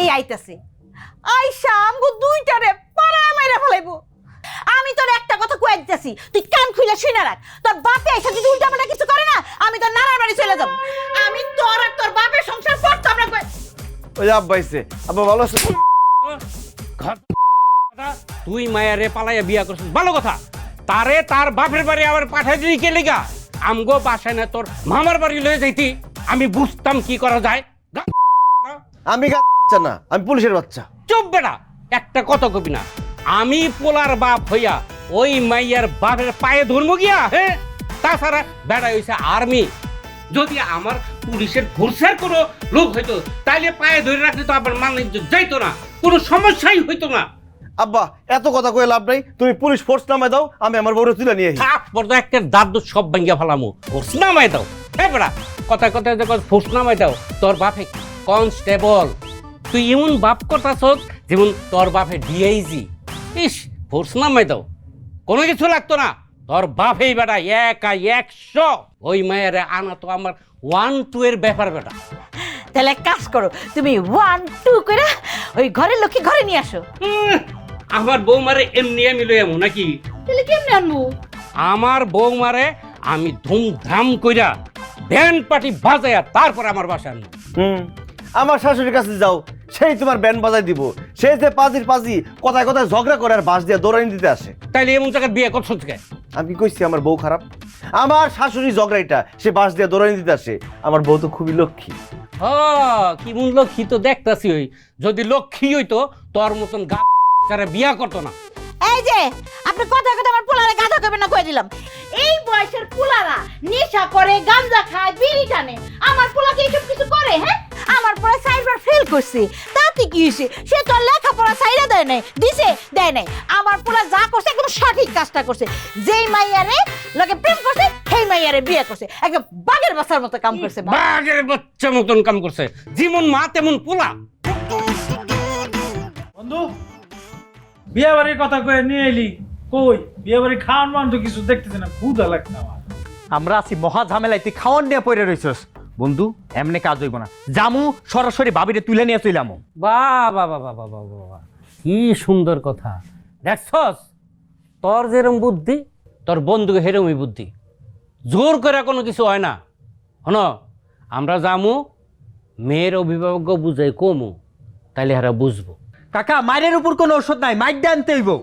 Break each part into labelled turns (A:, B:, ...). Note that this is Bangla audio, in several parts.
A: এই আইতাছে আইসা আমগো দুইটারে পাড়ায় মাইরা ফেলাইবো। আমি তোর একটা কথা কয়ে দিতেছি, তুই কান খুলে শুনে রাখ। তোর বাপে এসে যদি উল্টাপাল্টা কিছু করে না, আমি তোর নানার বাড়ি চলে যাব। আমি তোর আর তোর বাপের সংসার করতাম না।
B: ওই আব্বা আইছে, আব্বা ভালো আছে?
C: তুই মায়ারে পালাইয়া বিয়া করছিস ভালো কথা, তারে তার বাপের বাড়ি আবার পাঠাই দিলি কে লিগা? আমগো বাসায় না তোর মামার বাড়ি লয়ে যাইতি, আমি বুঝতাম কি করা যায়।
B: আমি বাচ্চা না, আমি পুলিশের বাচ্চা।
C: চুপ বেটা, একটা কথা কবি না। আমি পোলার বাপ হইয়া ওই মাইয়ার বাপের পায়ে ধর্ম গিয়া, হ্যাঁ? তাছাড়া বেড়া হইছে আর্মি। যদি আমার পুলিশের ফোর্সের কোনো লোক হইতো তাইলে পায়ে ধরে রাখলে তো আবার মানে যাইতো না, কোনো সমস্যাই হইতো না।
B: আব্বা এত কথা কয়ে লাভ নাই, তুমি পুলিশ ফোর্স নামায় দাও, আমি আমার বউরে তুলে নিয়ে আসি।
C: তারপর তো একটা দাদু সব ভাঙ্গিয়া ফেলামু। ফোর্স নামাই দাও, হ্যাঁ বেড়া, কথায় কথায় যখন ফোর্স নামাই দাও, তোর বাপে কনস্টেবল, তুই এমন বাপ করতাছ যেমন তোর বাপে ডিআইজি। ইস, ফোর্স নামাই দাও, কোনো কিছু লাগতো না। তোর বাপেই বেটা একা 100, ওই মায়ের আনা তো আমার 1-2 এর ব্যাপার বেটা।
A: তাহলে এক কাজ করো, তুমি 1-2 করে ওই ঘরের লোককে ঘরে নিয়ে আসো।
C: আমার বৌমারে এমনি আমি লই আমু নাকি?
A: তাহলে কেমনে আনবো?
C: আমার বৌমারে আমি ধুমধাম কইরা ব্যান্ড পার্টি বাজাইয়া তারপর আমার বাসা আনবো।
B: আমার শাশুড়ির কাছে যাও, সেই তোমার ব্যান্ড বাজাই দিব। সেই যে পাজি কথায় কথায় ঝগড়া করে আর বাস দিয়ে দৌড়ানি দিতে আসে।
C: তাইলে এমন জায়গায় বিয়ে করছো থেকে?
B: আমি কি কইছি আমার বউ খারাপ? আমার শাশুড়ি ঝগড়াইটা সে বাস দিয়ে দৌড়ানি দিতে আসে। আমার বউ তো খুবই লক্ষ্মী।
C: কি মন লক্ষ্মী তো দেখতাছি। ওই যদি লক্ষ্মী হইতো তোর মতন গাছারে বিয়া করতো না।
A: এই যে আপনি কথা কথা আমার পোলারে গাধা করবেন না, কয়ে দিলাম। এই বয়সের পোলারা নেশা করে, গাঁজা খায়, বিড়ি টানে। আমার পোলাকে এইসব কিছু করে? হ্যাঁ, আমার পোলা সাইবার ফেল করছে, তাতে কি হয়েছে? সে তো লেখাপড়া সাইরা দেয় নাই, দিছে দেয় নাই। আমার পোলা যা করছে একদম সঠিক কাজটা করছে। যেই মাইয়ারে লোকে প্রেম করছে, সেই মাইয়ারে বিয়ে করছে। একদম বাঘের বাচ্চার মতো কাম করছে।
C: বাঘের বাচ্চা মতন কাম করছে, যেমন মা তেমন পোলা।
D: বন্ধু, বিয়ে বাড়ির কথা কয়ে নিয়ে এলি কই? বিয়ে বাড়ি খাওয়ান মান তো কিছু দেখতেছি না, ক্ষুধা লাগছে আমার।
E: আমরা আছি মহা ঝামেলায়, তুই খাওয়ান নিয়ে পড়ে রইছস। বন্ধু এমনি কাজ হইব না, জামু সরাসরি ভাবিরে তুলে নিয়ে চইলামু।
C: বাবা বাবা বাবা বাবা, কি সুন্দর কথা। দেখছস, তোর যেরম বুদ্ধি তোর বন্ধু হেরমই বুদ্ধি। জোর করে কোনো কিছু হয় না। হন, আমরা যামু, মেয়ের অভিভাবক বুঝাই কমু, তাইলে হারা বুঝবো।
E: কাকা মায়ের উপর কোনো ওষুধ নাই, মাইক দিয়ে আনতে হইব।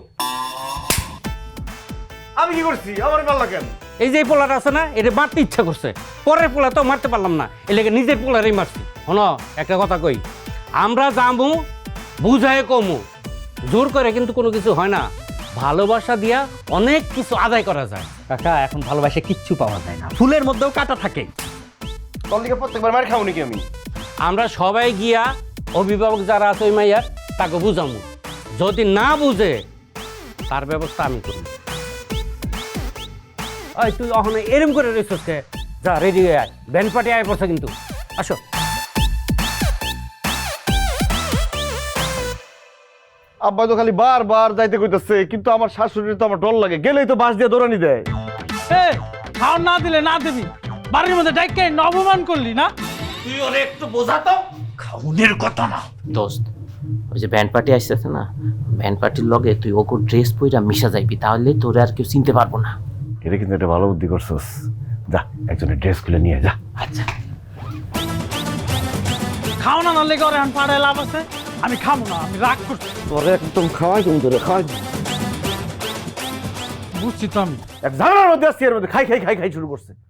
B: আমি কি করছি? আমার পাল্লা কেন?
C: এই যে পোলাটা আছে না, এটা মারতে ইচ্ছা করছে, পরের পোলা তো মারতে পারলাম না, এলাকা নিজের পোলারই মারছি। হন, একটা কথা কই, আমরা যামু, বুঝাই কমু, জোর করে কিন্তু কোনো কিছু হয় না। ভালোবাসা দিয়া অনেক কিছু আদায় করা যায়।
E: কাকা এখন ভালোবাসে কিচ্ছু পাওয়া যায় না, ফুলের মধ্যেও কাটা থাকে।
B: তোর দিকে প্রত্যেকবার মার খাও নাকি আমি?
C: আমরা সবাই গিয়া অভিভাবক যারা আছে ওই মাইয়ার তাকে বুঝামু, যদি না বুঝে তার ব্যবস্থা আমি করি। ওই তুই ওখানে এরম করে রয়েছিস কে? যা রেডি হয়ে আয়, ব্যান্ড পার্টি আয় পড়ছে কিন্তু। আসো।
B: আব্বা তো খালি বারবার যাইতে কইতাছে, কিন্তু আমার শাশুড়ির তো আমার ডর লাগে, গেলেই তো বাস দিয়ে দৌড়ানি দেয়।
D: খাওয়ান না দিলে না দিবি, বাড়ির মধ্যে ডাইকে অপমান করলি না?
C: তুই ওরে একটু বোঝাতো।
D: খাউনের কথা না
F: দোস্ত, ওই যে ব্যান্ড পার্টি আসতেছে না, ব্যান্ড পার্টির লগে তুই ওকে ড্রেস পইরা মিশা যাইবি, তাহলে তোরে আর কেউ চিনতে পারবো না।
B: এটা কিন্তু একটা ভালো বুদ্ধি করছস। যা একজনের ড্রেস খুলে নিয়ে যা।
F: আচ্ছা,
D: খাও না নালে করে এখন পাড়ায় লাভ আছে? আমি খাবো না, আমি রাগ করছি।
B: তোরে একদম খাওয়াই কিন্তু রে, খাওয়াই।
D: বুঝছি তো আমি।
B: এক ঝামেলার মধ্যে আসছি, এর মধ্যে খাই খাই খাই খাই শুরু করছে।